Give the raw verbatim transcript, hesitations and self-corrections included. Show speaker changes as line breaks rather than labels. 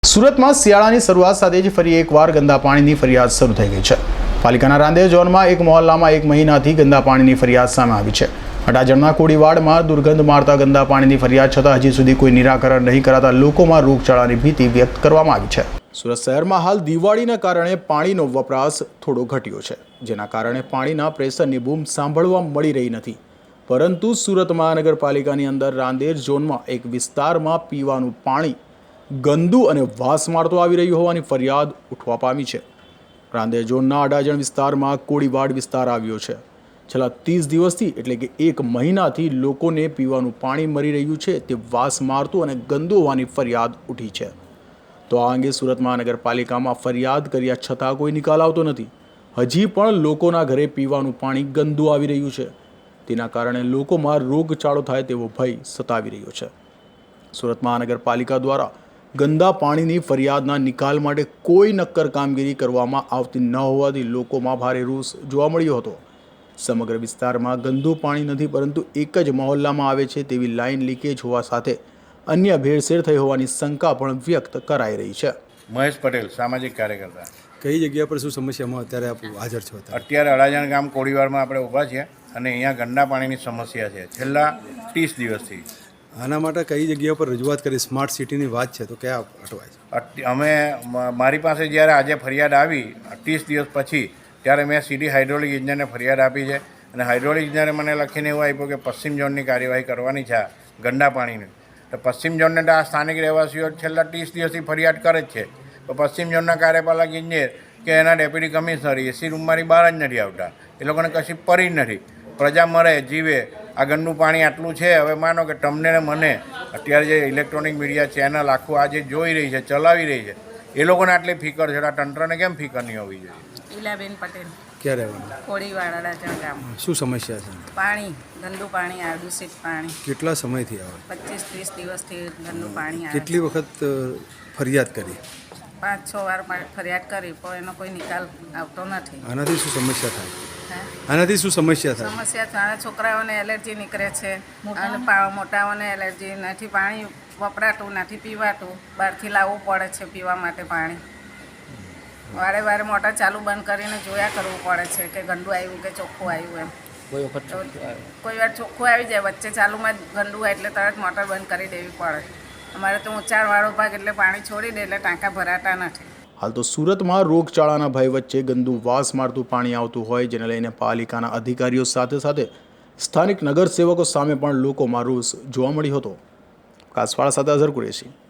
સુરતમાં શિયાળાની શરૂઆત સાથે જ ફરી એકવાર ગંદા પાણીની ફરિયાદ શરૂ થઈ ગઈ છે। પાલિકાના રાંદેર ઝોનમાં એક મહોલ્લામાં એક મહિનાથી ગંદા પાણીની ફરિયાદ સામે આવી છે। અડાજણના કોડીવાડમાં દુર્ગંધ મારતા ગંદા પાણીની ફરિયાદ છતાં હજી સુધી કોઈ નિરાકરણ નહીં કરાતા લોકોમાં રોગચાળાની ભીતિ વ્યક્ત કરવામાં આવી છે। સુરત શહેરમાં હાલ દિવાળીના કારણે પાણીનો વપરાશ થોડો ઘટ્યો છે, જેના કારણે પાણીના પ્રેશરની બૂમ સાંભળવા મળી રહી નથી। પરંતુ સુરત મહાનગરપાલિકાની અંદર રાંદેર ઝોનમાં એક વિસ્તારમાં પીવાનું પાણી ગંદુ અને વાસ મારતો આવી રહ્યું હોવાની ફરિયાદ ઉઠવા પામી છે। રાંદેર ઝોનના અડાજણ વિસ્તારમાં કોડીવાડ વિસ્તાર આવ્યો છે। છેલ્લા ત્રીસ દિવસથી એટલે કે એક મહિનાથી લોકોને પીવાનું પાણી મળી રહ્યું છે તે વાસ મારતું અને ગંદુ હોવાની ફરિયાદ ઉઠી છે। તો આ અંગે સુરત મહાનગરપાલિકામાં ફરિયાદ કર્યા છતાં કોઈ નિકાલ આવતો નથી। હજી પણ લોકોના ઘરે પીવાનું પાણી ગંદુ આવી રહ્યું છે, તેના કારણે લોકોમાં રોગચાળો થાય તેવો ભય સતાવી રહ્યો છે। સુરત મહાનગરપાલિકા દ્વારા ગંદા પાણીની ફરિયાદના નિકાલ માટે કોઈ નક્કર કામગીરી કરવામાં આવતી ન હોવાથી લોકોમાં ભારે રોષ જોવા મળ્યો હતો। સમગ્ર વિસ્તારમાં ગંદુ પાણી નથી, પરંતુ એક જ મહોલ્લામાં આવે છે તેવી લાઇન લીકેજ હોવા સાથે અન્ય ભેળસેળ થઈ હોવાની શંકા પણ વ્યક્ત કરાઈ રહી છે।
મહેશ પટેલ, સામાજિક કાર્યકર્તા।
કઈ જગ્યા પર શું સમસ્યામાં અત્યારે આપ હાજર છો?
અત્યારે અડાજણ ગામ કોડીવાડમાં આપણે ઊભા છીએ અને અહીંયા ગંદા પાણીની સમસ્યા છે છેલ્લા ત્રીસ દિવસથી।
આના માટે કઈ જગ્યા પર રજૂઆત કરી? સ્માર્ટ સિટીની વાત છે તો ક્યાં અટવાય છે?
અમે મારી પાસે જ્યારે આજે ફરિયાદ આવી ત્રીસ દિવસ પછી, ત્યારે મેં સીધી હાઇડ્રોલિક ઇજનેરને ફરિયાદ આપી છે અને હાઇડ્રોલિક ઇજનેરે મને લખીને એવું આપ્યું કે પશ્ચિમ ઝોનની કાર્યવાહી કરવાની છે ગંદા પાણીની। તો પશ્ચિમ ઝોનને તો આ સ્થાનિક રહેવાસીઓ છેલ્લા ત્રીસ દિવસથી ફરિયાદ કરે જ છે, તો પશ્ચિમ ઝોનના કાર્યપાલક ઇજનેર કે એના ડેપ્યુટી કમિશનર એસી રૂમમાંથી બહાર જ નથી આવતા। એ લોકોને કશી પરી જ નથી। પ્રજા મરે જીવે, આ ગંદુ પાણી આટલું છે। હવે માનો કે તમને ને મને અત્યારે જે ઇલેક્ટ્રોનિક મીડિયા ચેનલ આખું આ જે જોઈ રહી છે, ચલાવી રહી છે, એ લોકોને આટલી ફિકર છે, આ તંત્રને કેમ ફિકર નહીં હોવી જોઈએ?
ઈલાબેન પટેલ,
ક્યાં રહેવાનું?
કોળીવાડ અડાજણ ગામ।
શું સમસ્યા છે?
પાણી ગંદુ પાણી આવે, દૂષિત પાણી।
કેટલા સમયથી આવે?
પચીસ ત્રીસ દિવસથી ગંદુ પાણી આવે।
કેટલી વખત અ, ફરિયાદ કરી?
પાંચ છ વાર પા- ફરિયાદ કરી પણ એનો કોઈ નિકાલ આવતો નથી।
આનાથી શું સમસ્યા થાય?
હે?
આનાથી શું સમસ્યા થાય?
સમસ્યા નાના છોકરાઓને એલર્જી નીકળે છે અને પા- મોટાઓને એલર્જી નથી, પાણી વપરાતું નથી, પીવાતું, બહારથી લાવવું પડે છે પીવા માટે પાણી। વારે વારે મોટર ચાલુ બંધ કરીને જોયા કરવું પડે છે કે ગંદુ આવ્યું કે ચોખ્ખું આવ્યું એમ। કોઈ વખત કોઈ વાર ચોખ્ખું આવી જાય, વચ્ચે ચાલુમાં જ ગંદુ હોય એટલે તરત મોટર બંધ કરી દેવી પડે। અમારે તો ઊંચાણવાળો ભાગ એટલે પાણી છોડી દે એટલે ટાંકા ભરાતા નથી।
હાલ તો સુરતમાં રોગચાળાના ભય વચ્ચે ગંદુ વાસ મારતું પાણી આવતું હોય, જેને લઈને પાલિકાના અધિકારીઓ સાથે સાથે સ્થાનિક નગરસેવકો સામે પણ લોકોમાં રોષ જોવા મળ્યો હતો। કાસવાળા સાથે અઝર કુરેશી।